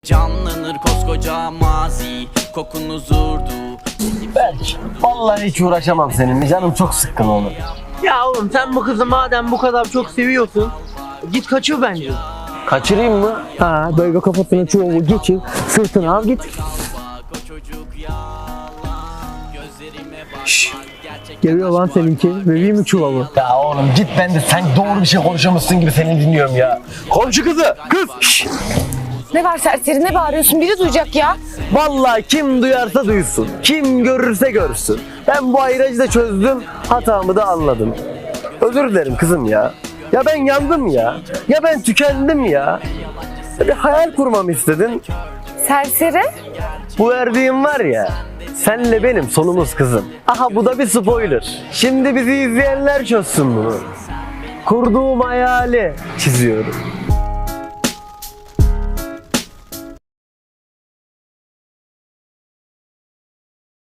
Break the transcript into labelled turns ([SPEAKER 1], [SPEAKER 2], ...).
[SPEAKER 1] Canlanır koskoca mazi, kokun huzurdu.
[SPEAKER 2] Berk, vallahi hiç uğraşamam seninle. Canım çok sıkkın olur.
[SPEAKER 3] Ya oğlum sen bu kızı madem bu kadar çok seviyorsun, git kaçır bence.
[SPEAKER 2] Kaçırayım mı?
[SPEAKER 3] Ha böyle kafasına çuvalı geçir, sırtına al git. Şşş. Geliyor lan seninki. Vereyim mi çuvalı?
[SPEAKER 2] Ya oğlum git, ben de sen doğru bir şey konuşamazsın gibi seni dinliyorum ya. Komşu kızı, kız! Şşş!
[SPEAKER 4] Ne var serseri, ne bağırıyorsun? Biri duyacak ya.
[SPEAKER 2] Vallahi kim duyarsa duysun, kim görürse görsün. Ben bu ayracı da çözdüm, hatamı da anladım. Özür dilerim kızım ya. Ya ben yandım ya. Ya ben tükendim ya. Bir hayal kurmamı istedin.
[SPEAKER 4] Serseri?
[SPEAKER 2] Bu verdiğim var ya, senle benim sonumuz kızım. Aha bu da bir spoiler. Şimdi bizi izleyenler çözsün bunu. Kurduğum hayali çiziyorum.